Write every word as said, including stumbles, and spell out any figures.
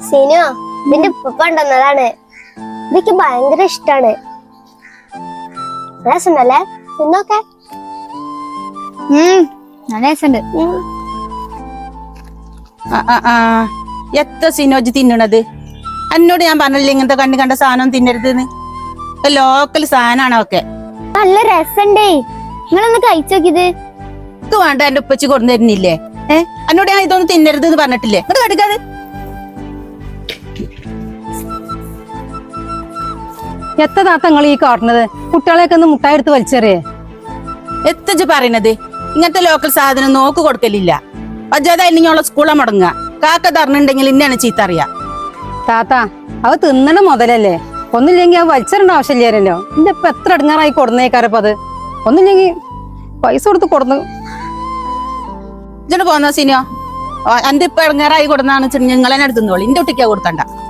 സീനോ ഇതിന്റെ ഉപ്പ കൊണ്ടുവന്നതാണ്. ഇതൊക്കെ ഭയങ്കര ഇഷ്ടാണ്. രസമല്ലേ തിന്നോക്കെ? നല്ല രസമുണ്ട്. എത്ര സിനോജ് തിന്നണത്? എന്നോട് ഞാൻ പറഞ്ഞില്ലേ ഇങ്ങനത്തെ കണ്ണി കണ്ട സാധനം തിന്നരുതെന്ന്. ലോക്കൽ സാധനമാണ് ഒക്കെ. നല്ല രസണ്ടേ, നിങ്ങളൊന്ന് കഴിച്ചോക്കിയത്. ഇത് വേണ്ട, എന്റെ ഉപ്പച്ചി കൊണ്ടു തരുന്നില്ലേ? ഏഹ് എന്നോട് ഞാൻ ഇതൊന്നും തിന്നരുത് എന്ന് പറഞ്ഞിട്ടില്ലേ? ഇത് കടുക്കാതെ. എത്ര താത്ത നിങ്ങൾ ഈ കാട്ടുന്നത്? കുട്ടികളെയൊക്കെ ഒന്ന് മുട്ടായി എടുത്ത് വലിച്ചെറിയേ. എത്തച്ച് പറയണത്? ഇങ്ങനത്തെ ലോക്കൽ സാധനം നോക്ക് കൊടുക്കലില്ല. അജാതായില്ലെങ്കിൽ സ്കൂളെ മുടങ്ങുക. കാക്ക തറഞ്ഞിട്ടുണ്ടെങ്കിൽ ഇന്നാണ് ചീത്ത അറിയാ. താത്ത അത് തിന്നണ മുതലല്ലേ, ഒന്നില്ലെങ്കിൽ അത് വലിച്ചെറിയേണ്ട ആവശ്യമില്ലാരല്ലോ. എന്റെ ഇപ്പൊ എത്ര ഇടങ്ങാറായി കൊടുന്നേക്കാരപ്പ അത്. ഒന്നില്ലെങ്കിൽ പൈസ കൊടുത്ത് കൊടുന്നു. ഇജോട് പോന്ന സിനോ, എന്റെ ഇപ്പൊ ഇടങ്ങാറായി കൊടുന്നാന്ന് വെച്ചിട്ടുണ്ടെങ്കിൽ നിങ്ങൾ എന്നെ എടുത്തുന്നോളി. എന്റെ കുട്ടിക്കാ കൊടുക്കണ്ട.